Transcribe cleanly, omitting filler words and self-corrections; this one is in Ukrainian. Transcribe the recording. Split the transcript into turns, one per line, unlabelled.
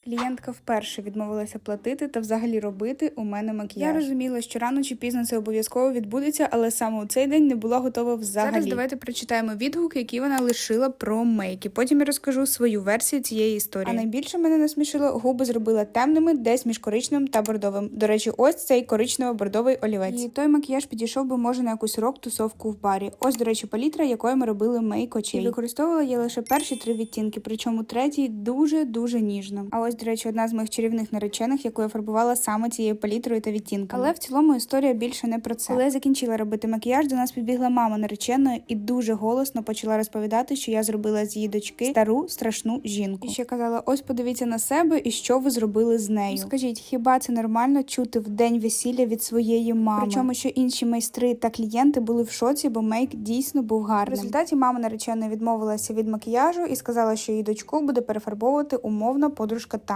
Клієнтка вперше відмовилася платити та взагалі робити у мене макіяж. Я розуміла, що рано чи пізно це обов'язково відбудеться, але саме у цей день не була готова взагалі. Зараз давайте прочитаємо відгуки, які вона лишила про мейки. Потім я розкажу свою версію цієї історії. А найбільше мене насмішило, губи зробила темними, десь між коричневим та бордовим. До речі, ось цей коричнево-бордовий олівець. І той макіяж підійшов би, може, на якусь рок-тусовку в барі. Ось, до речі, палітра, якою ми робили мейк очей. І використовувала я лише перші 3 відтінки, причому третій дуже-дуже ніжно. А ось, до речі, одна з моїх чарівних наречених, яку я фарбувала саме цією палітрою та відтінками. Але в цілому історія більше не про це. Коли я закінчила робити макіяж, до нас підбігла мама нареченої і дуже голосно почала розповідати, що я зробила з її дочки стару страшну жінку. І ще казала: ось подивіться на себе і що ви зробили з нею. Скажіть, хіба це нормально чути в день весілля від своєї мами? Причому, що інші майстри та клієнти були в шоці, бо мейк дійсно був гарним. В результаті мама нареченої відмовилася від макіяжу і сказала, що її дочку буде перефарбовувати умовно подружка